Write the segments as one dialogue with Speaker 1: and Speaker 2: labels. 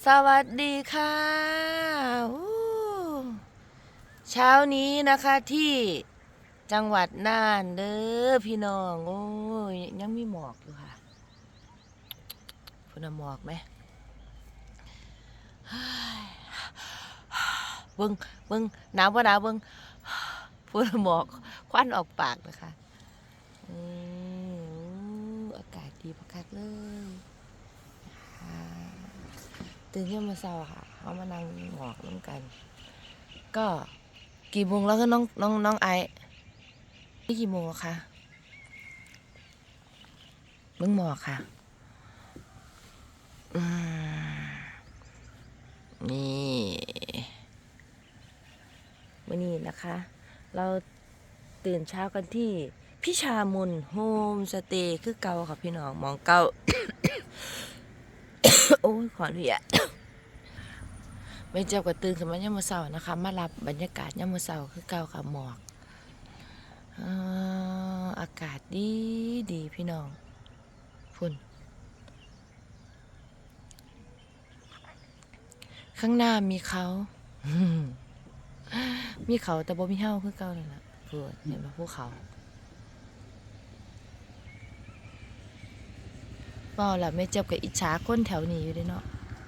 Speaker 1: สวัสดีค่ะเช้านี้นะคะที่จังหวัดน่านเด้อพี่น้องโอ้ยยังมีหมอกอยู่ค่ะพุ่นหมอกไหมเบิ้งเบิ้งหนาวปะหนาวเบิ้งพุ่นหมอกควันออกปากนะคะอากาศดีพักเลยตื่นขึ้นมาเช้าค่ะเขามานั่งหมอกน้ำกันก็กี่โมงแล้วก็น้องไอนี่กี่โมงคะเบิ่งหมอกค่ะนี่วันนี้นะคะ เราตื่นเช้ากันที่พิชามุนโฮมสเตย์คือเก่าค่ะพี่น้องมองเก่า โอ้ยขออนุญาตไม่เจ็บกับตื่นขึ้นมายามมื้อเช้านะคะมารับบรรยากาศยามมื้อเช้าคือเก่าค่ะหมอกอากาศดีดีพี่น้องฝุ่นข้างหน้ามีเขา มีเขาแต่บ่มีเฮาคือเก่าเลยล่ะเพื่อนเห็นป่ะภูเขาเปล่าล่ะไม่เจ็บกับอิจฉาคนแถวนี้อยู่ด้วยเนาะ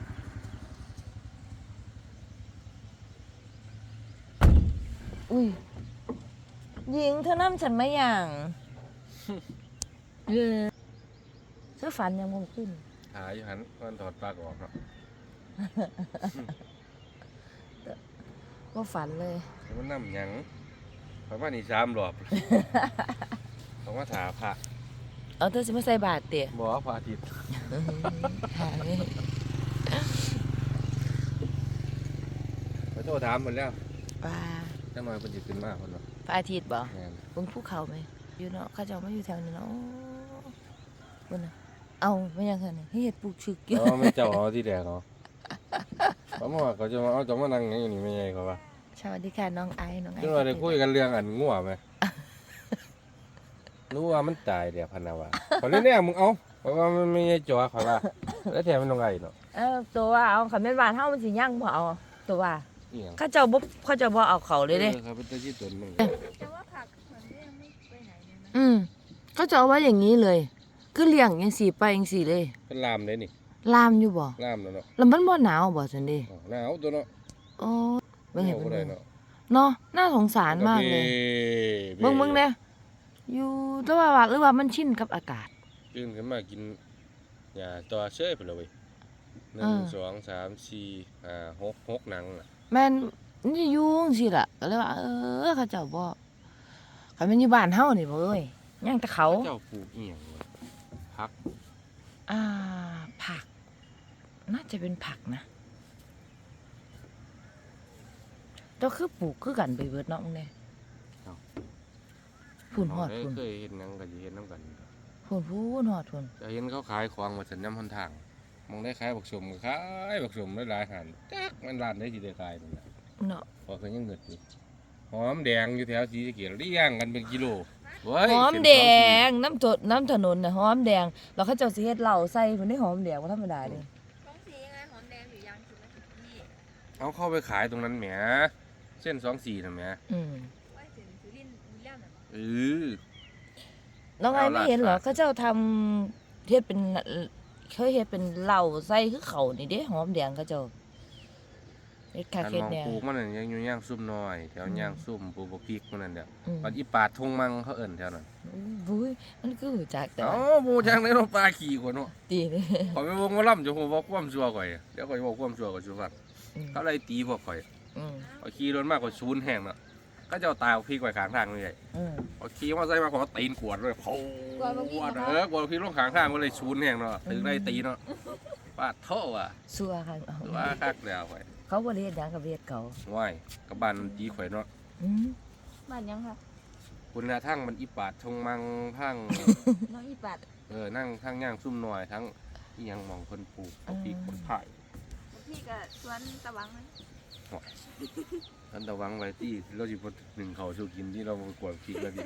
Speaker 1: อุ้ยหญิงเธอนั่งฉันไม่อย่างเธอฝันยังคงขึ้น
Speaker 2: หาอยู่หันมันถอดปลั๊กออกเนาะ
Speaker 1: ว่าฝันเลย
Speaker 2: มันน้ำหยังประมาณนี้3 รอบเขามาถาพระ
Speaker 1: เอาเธอสิมาใส่บาตรเตี๋ย
Speaker 2: บ่พระอาทิตย์
Speaker 1: หาไม่
Speaker 2: ไปโทรถามเพิ่นแล้ว
Speaker 1: ว่า
Speaker 2: จังหน่อยเพิ่นสิขึ้นมาเพิ่นเนาะ
Speaker 1: พระอาทิตย์บ่
Speaker 2: แม่น
Speaker 1: บนภูเขาไหมอยู่เนาะเขาจะมาอยู่แถวนี้เนาะบนน่ะเอาไม่ยังไงนี่เฮ็ดปลูกชึกอยู่
Speaker 2: ไม่เจ้าเอาที่แดกเนาะเพราะว่าเขาจะมาเอาจะมานั่งอย่างนี้ไม่ใหญ่เขาว่า
Speaker 1: สวัสดีค่ะน้องไอน้องไอ
Speaker 2: จังหน่อยได้คุยกันเรื่องอันงัวไหมรู้ว่ามันตายเดี๋ยวพันนาว่าขอเล่นเนี่ยมึงเอาเพราะว่ามันไม่ใช่จ่อเขาว่าแล้วแถมมันลงไงเนาะ
Speaker 1: ตัวว่าเอาคันแม่นบ้านเฮามันสิย่างบ่เอาตัวว่าเขาเจ้าบ่เอาเขาเลยเด้
Speaker 2: เขาเป็นตัวที่ตนมึง
Speaker 3: แต่ว่าผักเหมือนยังไม่ไปไหนเลยนะ
Speaker 1: เขาจะเอาไว้อย่างนี้เลยคือเลี้ยงจังซี่ไปจังซี่เลย
Speaker 2: เป็นลามเลยนี่
Speaker 1: ลามอยู่บ่
Speaker 2: ลามแล้วเนาะ
Speaker 1: แล้วมันบ่หนาวบ่ซั่นเด้
Speaker 2: หนาวตัวเนาะ
Speaker 1: โอ้เบิ่งเห็นบ่
Speaker 2: ได้
Speaker 1: เนาะน่าสงสารมากเลยเบิ่งเด้อยู่แต่ว่าหรือว่ามันชินกับอากาศ
Speaker 2: ตื่นขึ้นมากินยาตัวเชยไปเลย1 2 3 4 5 6หนังน่ะ
Speaker 1: แม่นนี่อยู่จังซี่ล่ะก็เลยว่าเขาเจ้าบ่คันมันอยู่บ้านเฮานี่บ่เอ้ยย่างแต่เขา
Speaker 2: เจ้าปลูกอีหยังผัก
Speaker 1: ผักน่าจะเป็นผักนะแต่คือปลูกคือกันไปเบิดเนาะมึงเนี่ยพูนหอดพูน
Speaker 2: เคยเห็นหนังก็สิเห็นนำกัน
Speaker 1: พูนหอดพูน
Speaker 2: จะเห็นเขาขายของมาสัญญาณหนทางมองได้ขายบักสมก็ขายบักสมหลายๆหันจักมันร้านได้สิได้ขายนั่นน่ะ
Speaker 1: เนาะ
Speaker 2: พอเพิ่นยังเงิดอยู่หอมแดงอยู่แถวศรีสะเกษเลี้ยงกันเป็นกิโล
Speaker 1: หอมแดงน้ำถนนน่ะหอมแดงแล้วเขาเจ้าสิเฮ็ดเหล้าใส่เพิ่นได้หอมแดงบ่ธรรมดาเด้
Speaker 3: ท้องสียังไงหอมแดงหรือยางถูกไหมพี่
Speaker 2: เอาเข้าไปขายตรงนั้นแหมเส้น24น่ะแหม
Speaker 3: ว่าถึงสุรินทร์มีเรื่องน่ะ
Speaker 1: น้องไอ้ไม่เห็นเหรอเขาเจ้าทำเฮ็ดเป็นเคยเฮ็ดเป็นเหล้าใส่คือเขานี่เด้หอมแดงเขาเจ้าเฮ็ดคักเฮ็ดแนว
Speaker 2: ปลูกมันนั่นยังอยู่ย่างซุ่มน้อยแถวย่างซุ่มปลูกบักพริกมันนั่นเด้อปัดอีปาดทงมังเขาเอิ้นแถวนั้น
Speaker 1: บุ้ยมันคือหูจักแต่
Speaker 2: บูจังได้เนาะปลาขี้กว่าเนาะ
Speaker 1: ตีนี่
Speaker 2: ขอยไปวงว่าล่ำจะฮู้ว่าความชั่วข่อยเดี๋ยวข่อยบอกความชั่วกับชูฟังเขาเลยตีพวกข่อยข่อยขี่รถมากกว่าชูนแห้งเนาะก็จะเอาตายเอาพริกไว้ข้างทางนี่ไงข่อยขี่มาใส่มาขอตีนขวดเลยเขากวดพริกลงข้างทางก็เลยชูนแห้งเนาะถึงได้ตีเนาะปาดโถ่อะ
Speaker 1: ซัวค่ะ
Speaker 2: ซัวคักแล้วข่อย
Speaker 1: เขาบ่ได้เฮ็ดหยังกับเฮ็ดเขา
Speaker 2: ว้ายกับบ้านตีข่อยเนาะ
Speaker 3: บ้านยังค่ะ
Speaker 2: คุณน่ะทั้งมันอีปาดทงมังทั้ง
Speaker 3: น้องอีปาด
Speaker 2: นั่งทั้งย่างซุ่มน้อยทั้งอีหยังมองคนปลูกเอาพริกคนถ่าย
Speaker 3: พี่ก็สวนตะวังนะ
Speaker 2: ท่านตะวังไว้ที่เราสิบ่หนึ่งเขาสู้กินที่เรากวดพริกแล้วดิ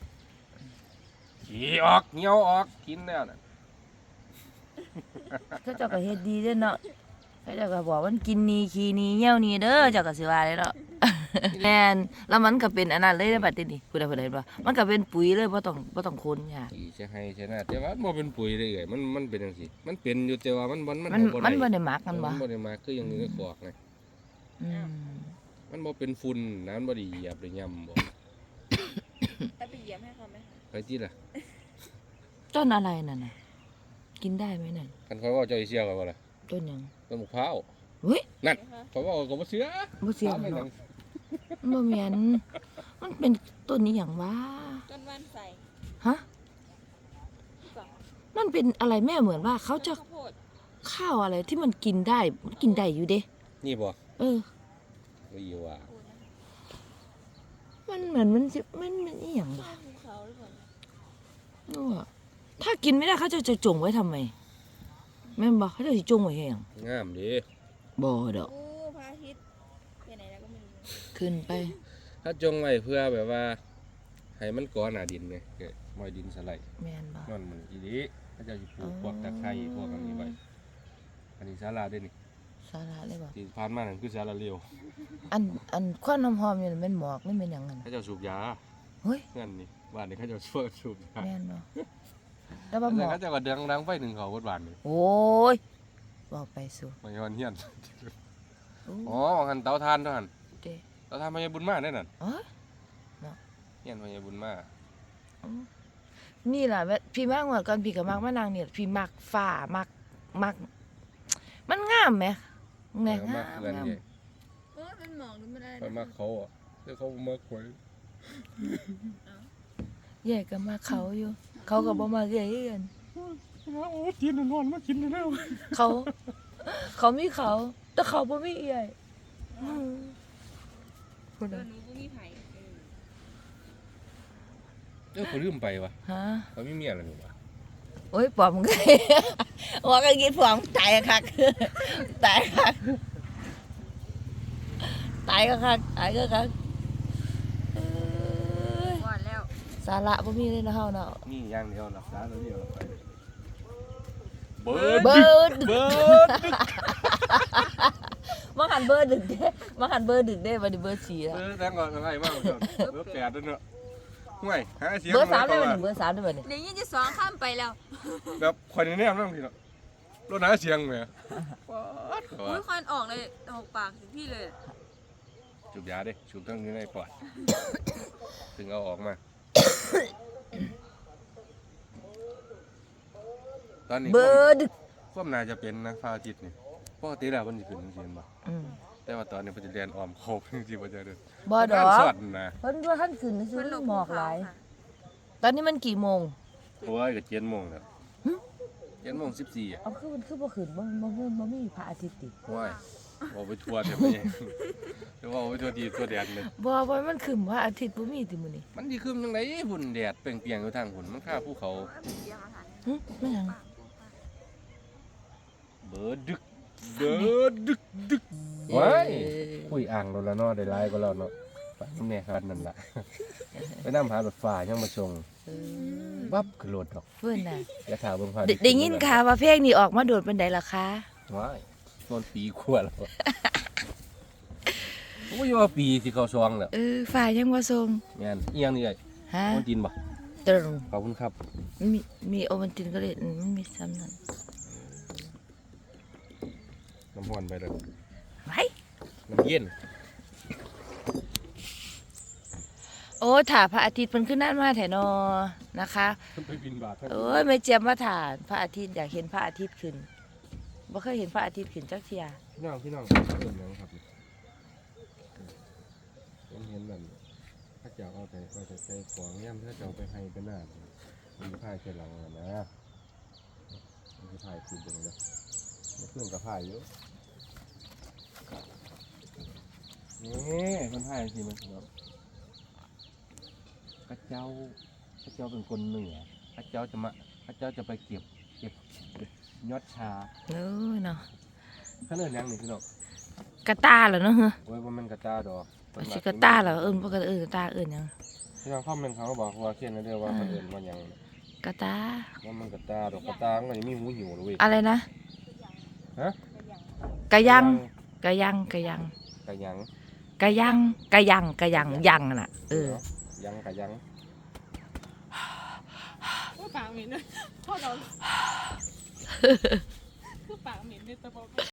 Speaker 2: ขี้ออกเหี่ยวออกกินแล้วน่ะ
Speaker 1: เขาเจ้าก็เฮ็ดดีเด้อเนาะเขาเจ้าก็บอกมันกินนี่ขี้นี่เหี่ยวนี่เด้อเจ้าก็สิว่าได้เนาะ แม่นแล้วมันก็เป็นอันนั้นเลยในบัดนี้ผู้ใดเห็นบ่มันก็เป็นปุ๋ยเลยบ่ต้องคนยาก
Speaker 2: อีจะให้ชนะแต่ว่ามันบ่เป็นปุ๋ยเลยเอ้ยมันเป็นจังซี่มันเป็นอยู่แต่ว่ามัน
Speaker 1: มัน
Speaker 2: บ่
Speaker 1: มันบ่
Speaker 2: ได้
Speaker 1: ได้หมักกันบ่
Speaker 2: มันบ่ได้มาคืออย่างนี้ก็ขอกไง
Speaker 1: อืม
Speaker 2: มันบ่เป็นฝุ่นน้ำบ่ได้เหยียบได้ย่ำบ่
Speaker 3: แต่ไปเยี่ยมให้เขาไหมคะ
Speaker 2: ไปที่ล่ะ
Speaker 1: ต้นอะไรนั่นน่ะกินได้ไหมนั่น
Speaker 2: คันเขาว่าเจ้าสิเชื่อกันบ่ล่ะ
Speaker 1: ต้นหยัง
Speaker 2: ต้นมะพร้าว
Speaker 1: เฮ้ย
Speaker 2: นั่นเขาว่าก็บ่เชื่อ
Speaker 1: บ่เสียง
Speaker 2: ถามไปหนั
Speaker 1: เนาะ
Speaker 2: ง
Speaker 1: บ่แม่นมันเป็นต้นนี้หยังวะ
Speaker 3: ต้นว่านใส่
Speaker 1: ฮะ
Speaker 3: ก่อน
Speaker 1: มันเป็นอะไรแม่เหมือนว่าเขาจะ
Speaker 3: ข้าวโพด
Speaker 1: ข้าวอะไรที่มันกินได้มันกินได้อยู่เด้
Speaker 2: นี่บ่
Speaker 1: เออ
Speaker 2: บ่อยู่ว่า
Speaker 3: โคนนะ
Speaker 1: มันเหมือนมันสิมันอีหยังวะ
Speaker 3: ข้าวภูเขาหรือเปล่า
Speaker 1: เออถ้ากินไม่ได้เขาจะจงไว้ทำไมแม่นบอกเขาจะสิจงไว้ให้หยัง
Speaker 2: งามดี
Speaker 1: บ่ดอก
Speaker 3: โอ้พระอาทิตย์ไปไหนแล้วก็ไม่รู้
Speaker 1: ขึ้นไป
Speaker 2: ถ้าจงไว้เพื่อแบบว่าให้มันก่อหน้าดินไงเกิดมอยดินสไลด์
Speaker 1: แม่นบ่
Speaker 2: นั่นมันอีนี้เขาเจะปลูกพวกตะไคร้พวกอันนี้ไว้อันนี้ศาลาได้นี่
Speaker 1: สาระเลยบ่
Speaker 2: ที่ผ่านมานั่นคือศาลาเลียว
Speaker 1: อันควันหอมๆนี่มันหมอกนี่เป็นหยังนั่น
Speaker 2: เขาเจะสูบยา
Speaker 1: เฮ้ย
Speaker 2: เงื่อนนี่บ้านนี้เขาเจะช่วยสูบยา
Speaker 1: แม่นบ่แล้ว
Speaker 2: แต่
Speaker 1: ว่าหมอก
Speaker 2: เขาเจะก็ดังไฟหนึ่งเขาวัดบ้านนี่
Speaker 1: โอ้ยบอกไปสู่
Speaker 2: มาย้อนเฮียน
Speaker 1: โอ้
Speaker 2: อ๋อหันเตาถ่านเท่านั้น
Speaker 1: เด้
Speaker 2: เตาถ่านพญาบุญมาได้นั่น
Speaker 1: อ๋อ
Speaker 2: เฮียนพญาบุญมา
Speaker 1: นี่ล่ะพี่มากกว่าก่อนพี่ก็มักมานางเนี่ยพี่มักฟ้ามักมันงามไหมแม่
Speaker 2: เอา
Speaker 1: งาม
Speaker 2: มาเพื่อน
Speaker 1: งาม
Speaker 2: ใหญ่
Speaker 3: เออเป็นหมอกหรือมันอะไร
Speaker 2: ไปมาเขาอ่ะแต่เขามาควย
Speaker 1: ใหญ่ก็มาเขาอยู่ เขาก็บ่มาใหญ่กัน
Speaker 2: โอ้ทีนนอนมากินแล้ว
Speaker 1: เขามีเขา แต่เขาบ่มีใหญ่พูด
Speaker 3: เอ
Speaker 1: เล
Speaker 3: อย หนูก็มีไผ่
Speaker 2: เขาลืมไปวะ
Speaker 1: ฮะ
Speaker 2: เขาไม่มีอะไรหนูวะ
Speaker 1: โอ้ยปอมก็ ว่าก็กินปอมตายคักตายคักตายก็คักตายก็คักเอ้ย
Speaker 3: ก่อนแล้ว
Speaker 1: สาระบ่มีเลยนะเฮาเนาะ
Speaker 2: นี่อย่างเดียวหลับตาแล้วเดียวไป
Speaker 1: เบิร์ด
Speaker 2: เบิร์ด
Speaker 1: มาหันเบอร์ดึกเด้มาหันเบอร์ดึกเด้บัดนี้เบอร์4แล้ว
Speaker 2: แตงก่อนอะไรบ้างเบอร์8ด้วยเนาะห่วยหาเสียง
Speaker 1: เบอร์3ได้บัดนี้เบอร์3ได้บัดนี้
Speaker 3: เดี๋ยวยี่จะสองข้ามไปแล้ว
Speaker 2: แบบคนนี้นั่งทีเนาะรถหาเสียงไหม
Speaker 3: อุ้ยควันออกเลยหกปากถึงพี่เลย
Speaker 2: จูบยาดิจูบทั้งนี้ในปอดถึงเอาออกมาตอนนี้
Speaker 1: เบอร์ดึก
Speaker 2: ความน่าจะเป็นนะพระอาทิตย์นี่ปกติแล้วมันจะขึ้นเสียนบ่
Speaker 1: อืม
Speaker 2: แต่ว่าตอนนี้มันจะเรียนออมโคบจริงๆมันจะเดิน
Speaker 1: บ่ดอก
Speaker 2: สอดนะ
Speaker 1: เพิ่นว่าท่านขึ้นซื้อ
Speaker 3: ลง
Speaker 1: หม
Speaker 3: ภู
Speaker 1: อกห
Speaker 3: เขา
Speaker 1: ลาย
Speaker 3: ค่ะ
Speaker 1: ตอนนี้มันกี่โมง
Speaker 2: โอ้ยก็7:00 นแล้ว7:14อ่ะ
Speaker 1: เอาคือมันคือบ่ขึ้นบ่มีพระอาทิตย์ติ
Speaker 2: ว้ายบอกไปทัวร์เถอะไปเองจะว่าไปทัวร์ทีทัวร์แดนเลย
Speaker 1: บ่ว่ามันขึ้นพระอาทิตย์บ่มีติมื้อนี้
Speaker 2: มันดีขึ้นยังไงหุ่นแดดเปล่งเปลี่ยงอยู่ทางหุ่นมันฆ่าภูเขา
Speaker 3: เดี๋ยวมาถ่าย
Speaker 1: หึแม่หยัง
Speaker 2: เบิดดึกว้ายคุยอ่างเราแล้วเนาะได้ไลน์ก็แล้วเนาะไปน้ำแน่ครับนั่นล่ะไปนำหารถฟ้ายังมาส่ง
Speaker 1: เออ
Speaker 2: บับขึ้นรถดอก
Speaker 1: เพิ่นน่ะ
Speaker 2: อย่าถามเบิ่งพา
Speaker 1: ได้ยินข่าวว่าเพลงนี้ออกมาโดดปานใดล่ะคะ
Speaker 2: ว้ายต้นปีขวดแล้วโอ้ยว่าปีสิเข้าซองแล้ว
Speaker 1: ฝ่ายยังบ่ส่ง
Speaker 2: แม่นอีหยังนี่ไอ้
Speaker 1: ฮะ
Speaker 2: คนจีนบ่
Speaker 1: ตรง
Speaker 2: ขอบคุณครับ
Speaker 1: มีโอวัลตินก็เลยมันมีซ้ำนั่น
Speaker 2: น้ำพรไปเลย
Speaker 1: ไว้
Speaker 2: น้ำเย็น
Speaker 1: โอ้ถ่าพระอาทิตย์เพิ่นขึ้นนั่นมาแท้นอนะคะ
Speaker 2: ไปบินบาท
Speaker 1: โอ้ยไม่เจียมมาถ่านพระอาทิตย์อยากเห็นพระอาทิตย์ขึ้นบ่เคยเห็นพระอาทิตย์ขึ้นจักเที่ย
Speaker 2: พี่น้องเห็นยังครับผมเห็นแบบถ้าจะเอาแต่ใส่ของย่ำถ้าจะเอาไปให้เป็นหน้ามันจะพายแค่หลังนะมันจะพายขึ้นอย่างเดียวมันเครื่องกับพายอยู่นี่มันพายสิมันแบบพระเจ้าเป็นคนเหนือพระเจ้าจะไปเก็บยอดชา
Speaker 1: เอ้ยเนาะ
Speaker 2: เขาเอิ้นหยังนี่พี่น้อง
Speaker 1: กระตาเหรอเนาะเฮ้อ
Speaker 2: โอ้ยบ่แม่นกระตาดอก
Speaker 1: สิกระตาเหรอบ่กระกระตาหยัง
Speaker 2: พี่น้องคอมเมนต์เขาก็บอกว่าเขียนไว้เด้อว่าเพิ่นเอิ้นว่าหยัง
Speaker 1: กระตา
Speaker 2: ว่ามันกระตาดอกกระตามันก็ยังมีหูหิวเลยเว้ย
Speaker 1: อะไรนะ
Speaker 2: ฮะ
Speaker 1: กะยังกะยังกะยัง
Speaker 2: กะยัง
Speaker 1: กะยังกะยังกะยังยังน่ะ
Speaker 2: ยังกะยัง
Speaker 3: ก็ปากเหม็นเลยพ่อเราคือปากเหม็นเลยแต่บอก